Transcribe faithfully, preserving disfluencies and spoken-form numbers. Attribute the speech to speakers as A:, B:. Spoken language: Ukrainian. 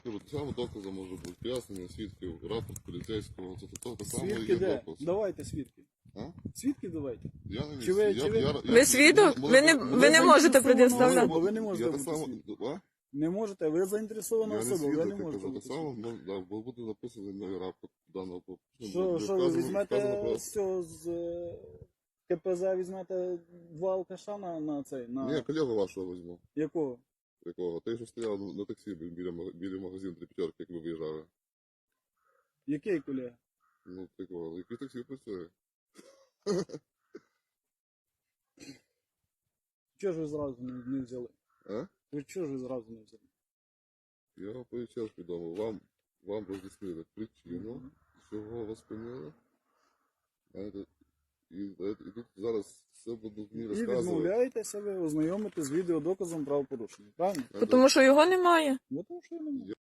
A: Кажу, так само доказом може бути пояснення свідків, рапорт поліцейського, це то, так само
B: Свідки
A: є
B: де?
A: доказ.
B: Давайте свідки.
A: А?
B: Свідки давайте.
A: Я не
B: Чи ви-
A: я,
B: чи ви-
A: я, я,
C: Ви свідок?
A: я-
C: Ви не,
A: мене-
C: ви не
A: мене-
C: можете
B: заінтересовано
C: предоставляти.
B: особа, ви не можете
A: Я так
B: бути
A: само,
B: свідком.
A: а?
B: Не можете, ви заінтересована
A: Я не
B: особа, ви
A: свідок,
B: не
A: я
B: можете
A: кажу,
B: бути
A: так само,
B: свідком.
A: ну, да, бо буде написаний на рапорт даного по- ну,
B: Що,
A: буде
B: що ви
A: вказано-
B: візьмете
A: вказано про-
B: з цього, з е, КПЗ візьмете два алкаша на, на цей, на
A: Ні, колегу вашого візьму.
B: якого?
A: Якого? Той, що стояв на- на таксі біля, мага- біля магазину три п'ятерки, як ви виїжджали.
B: Який колега?
A: Ну, такого, який таксі працює.
B: Чого ж ви зразу не, не взяли?
A: А?
B: Ви чого ж ви зразу не взяли?
A: Я вам пояснив відомо. Вам, вам роз'яснили причину, чого вас спинили. Знаєте, і, і тут зараз все будуть мені
B: І
A: розказувати.
B: відмовляєтеся ви ознайомити з відеодоказом правопорушення, правильно?
A: Знаєте,
C: Тому що його немає.
B: Бо тому що я не можу.